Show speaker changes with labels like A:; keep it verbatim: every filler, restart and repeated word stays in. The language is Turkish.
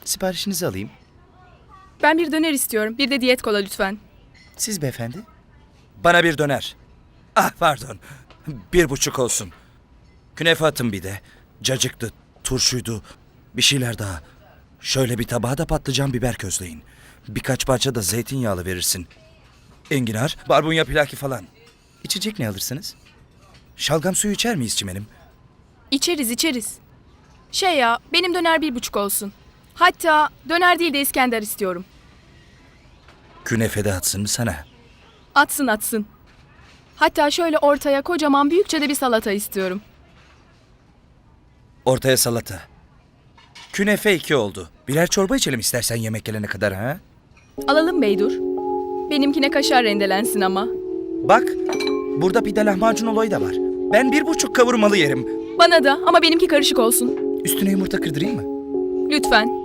A: Siparişinizi alayım.
B: Ben bir döner istiyorum. Bir de diyet kola lütfen.
A: Siz beyefendi? Bana bir döner. Ah pardon. Bir buçuk olsun. Künefe atın bir de. Cacıktı, turşuydu. Bir şeyler daha. Şöyle bir tabağa da patlıcan biber közleyin. Birkaç parça da zeytinyağlı verirsin. Enginar, barbunya pilaki falan. İçecek ne alırsınız? Şalgam suyu içer miyiz çimenim?
B: İçeriz içeriz. Şey ya, benim döner bir buçuk olsun. Hatta döner değil de İskender istiyorum.
A: Künefe de atsın mı sana?
B: Atsın atsın. Hatta şöyle ortaya kocaman büyükçe de bir salata istiyorum.
A: Ortaya salata. Künefe iki oldu. Birer çorba içelim istersen yemek gelene kadar ha?
B: Alalım Beydur. Benimkine kaşar rendelensin ama.
A: Bak, burada pide lahmacun olayı da var. Ben bir buçuk kavurmalı yerim.
B: Bana da ama benimki karışık olsun.
A: Üstüne yumurta kırdırayım mı?
B: Lütfen.